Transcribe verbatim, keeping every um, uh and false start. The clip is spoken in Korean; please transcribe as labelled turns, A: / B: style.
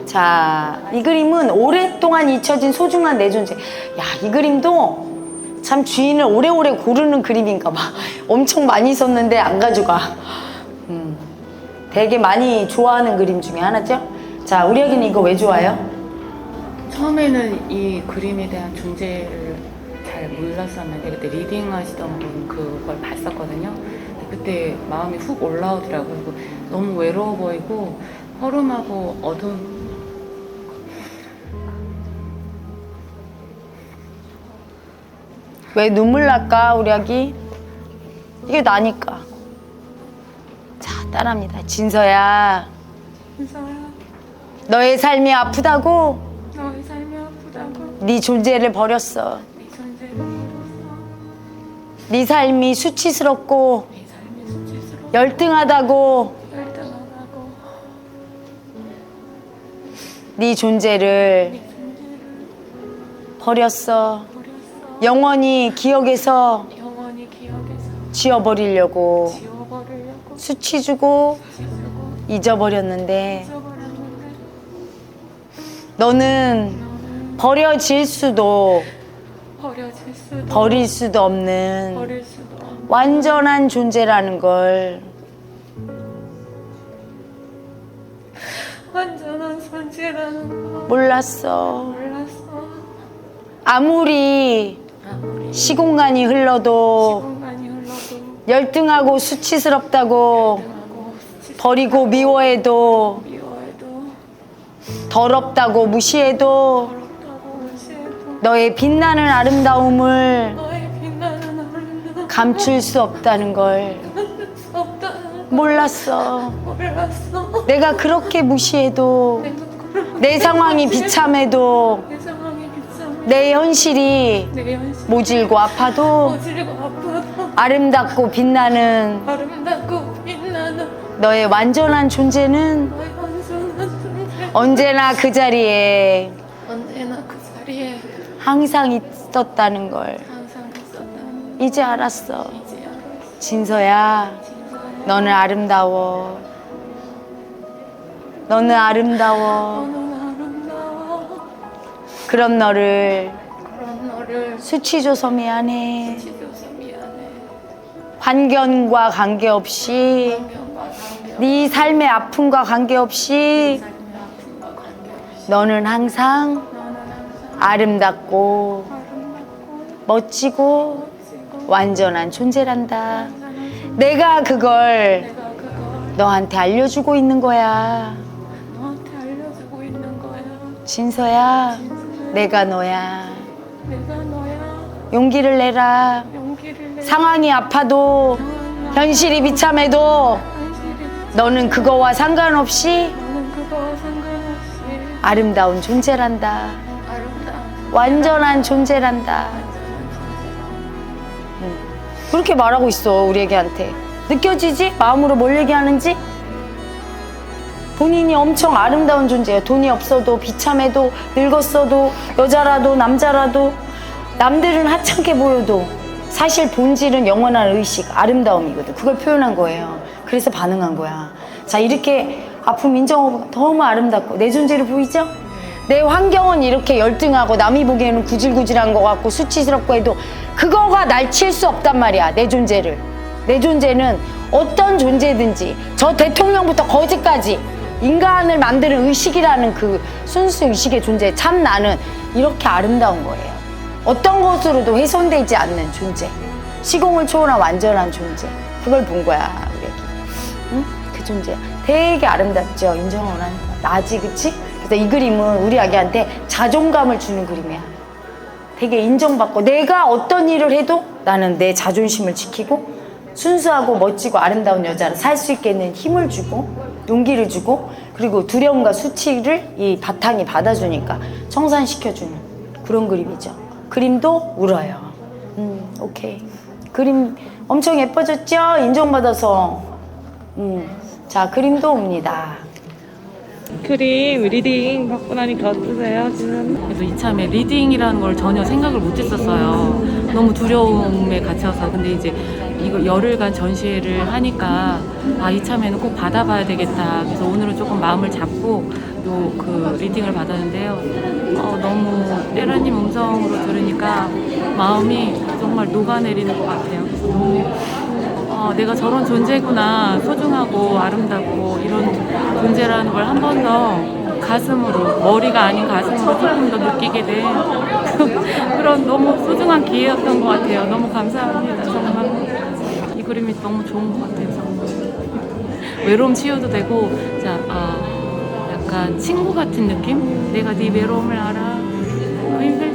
A: 자, 이 그림은 오랫동안 잊혀진 소중한 내 존재. 야, 이 그림도 참 주인을 오래오래 고르는 그림인가 봐. 엄청 많이 썼는데 안 가져가. 음, 되게 많이 좋아하는 그림 중에 하나죠. 자, 우리 아기는 이거 왜 좋아요?
B: 처음에는 이 그림에 대한 존재를 잘 몰랐었는데 그때 리딩 하시던 분 그걸 봤었거든요. 그때 마음이 훅 올라오더라고요. 그리고 너무 외로워 보이고 허름하고 어두운.
A: 왜 눈물 날까 우리 아기? 이게 나니까. 자, 따라합니다. 진서야,
B: 진서야,
A: 너의 삶이 아프다고
B: 너의 삶이 아프다고
A: 네 존재를 버렸어.
B: 네 존재를 버렸어.
A: 네 삶이 수치스럽고
B: 네 삶이 수치스럽고
A: 열등하다고
B: 열등하다고
A: 네 존재를
B: 네 존재를
A: 버렸어.
B: 버렸어.
A: 영원히 기억에서
B: 영원히 기억에서
A: 지워버리려고
B: 지워버리려고
A: 수치 주고
B: 지우고
A: 잊어버렸는데
B: 잊어버렸는데
A: 너는
B: 너는
A: 버려질 수도
B: 버려질 수도
A: 버릴 수도 없는
B: 버릴 수도 없는
A: 완전한 존재라는 걸
B: 완전한 존재라는 걸
A: 몰랐어.
B: 몰랐어.
A: 아무리
B: 아무리
A: 시공간이 흘러도
B: 시간이 흘러도
A: 열등하고 수치스럽다고
B: 하고
A: 버리고 미워해도
B: 미워해도
A: 더럽다고 무시해도
B: 더럽다고 무시해도
A: 너의 빛나는 아름다움을
B: 너의 빛나는 아름다움
A: 감출 수 없다는 걸
B: 감출 수 없다는 걸
A: 몰랐어.
B: 몰랐어.
A: 내가 그렇게 무시해도
B: 내가 그렇게
A: 내 상황이 비참해도
B: 내 상황이 비참해
A: 내 현실이
B: 내 현실
A: 모질고 아파도
B: 어지르고 아파도
A: 아름답고 빛나는
B: 아름답고 빛나는
A: 너의 완전한 존재는
B: 너의 완전한 존재
A: 언제나 그 자리에
B: 언제나 그 자리에
A: 항상 있었다는 걸
B: 항상 있었다는
A: 이제 알았어.
B: 걸 이제 알았어.
A: 진서야,
B: 진서야,
A: 너는 아름다워. 너는 아름다워.
B: 너는 아름다워.
A: 그런 너를
B: 그런 너를
A: 수치줘서 미안해.
B: 지켜줘서 미안해.
A: 환경과 관계없이
B: 환경과 관계없이
A: 네 삶의 아픔과 관계없이
B: 삶의 아픔과 관계없이
A: 너는 항상
B: 너는 항상
A: 아름답고
B: 아름답고
A: 멋지고
B: 멋지고
A: 완전한 존재란다.
B: 완전한
A: 내가 그걸
B: 내가 그걸
A: 너한테 알려주고 있는 거야.
B: 너한테 알려주고 있는 거야.
A: 진서야, 내가 너야.
B: 내가 너야.
A: 용기를 내라.
B: 용기를 내.
A: 상황이 아파도 현실이 비참해도
B: 현실이
A: 너는 그거와 상관없이
B: 너는 그거와 상관없이
A: 아름다운 존재란다.
B: 아름다운
A: 완전한 존재란다. 응. 그렇게 말하고 있어, 우리 애기한테. 느껴지지? 마음으로 뭘 얘기하는지? 본인이 엄청 아름다운 존재예요. 돈이 없어도 비참해도 늙었어도 여자라도 남자라도 남들은 하찮게 보여도 사실 본질은 영원한 의식, 아름다움이거든. 그걸 표현한 거예요. 그래서 반응한 거야. 자, 이렇게 아픔 인정하고 너무 아름답고 내 존재를 보이죠? 내 환경은 이렇게 열등하고 남이 보기에는 구질구질한 것 같고 수치스럽고 해도 그거가 날 칠 수 없단 말이야. 내 존재를. 내 존재는 어떤 존재든지 저 대통령부터 거지까지 인간을 만드는 의식이라는 그 순수 의식의 존재, 참 나는 이렇게 아름다운 거예요. 어떤 것으로도 훼손되지 않는 존재, 시공을 초월한 완전한 존재. 그걸 본 거야, 우리 애기. 응? 그 존재 되게 아름답죠. 인정을 하니까 나지, 그치? 그래서 이 그림은 우리 아기한테 자존감을 주는 그림이야. 되게 인정받고 내가 어떤 일을 해도 나는 내 자존심을 지키고 순수하고 멋지고 아름다운 여자를 살 수 있게 는 힘을 주고 용기를 주고 그리고 두려움과 수치를 이 바탕이 받아주니까 청산시켜주는 그런 그림이죠. 그림도 울어요. 음, 오케이. 그림 엄청 예뻐졌죠? 인정받아서. 음, 자, 그림도 옵니다.
C: 그림 리딩 받고 나니까 어떠세요 지금?
B: 그래서 이참에 리딩이라는 걸 전혀 생각을 못 했었어요. 너무 두려움에 갇혀서. 근데 이제 이거 열흘간 전시회를 하니까 아, 이참에는 꼭 받아봐야 되겠다. 그래서 오늘은 조금 마음을 잡고 요 그 리딩을 받았는데요. 어, 너무 때라님 음성으로 들으니까 마음이 정말 녹아내리는 것 같아요. 그래서 너무 어, 내가 저런 존재구나, 소중하고 아름답고 이런 존재라는 걸 한 번 더 가슴으로, 머리가 아닌 가슴으로 조금 더 느끼게 된 그런 너무 소중한 기회였던 것 같아요. 너무 감사합니다. 정말 이 그림이 너무 좋은 것 같아요. 정말 외로움 치유도 되고, 자, 어, 약간 친구 같은 느낌? 내가 네 외로움을 알아. 그 힘들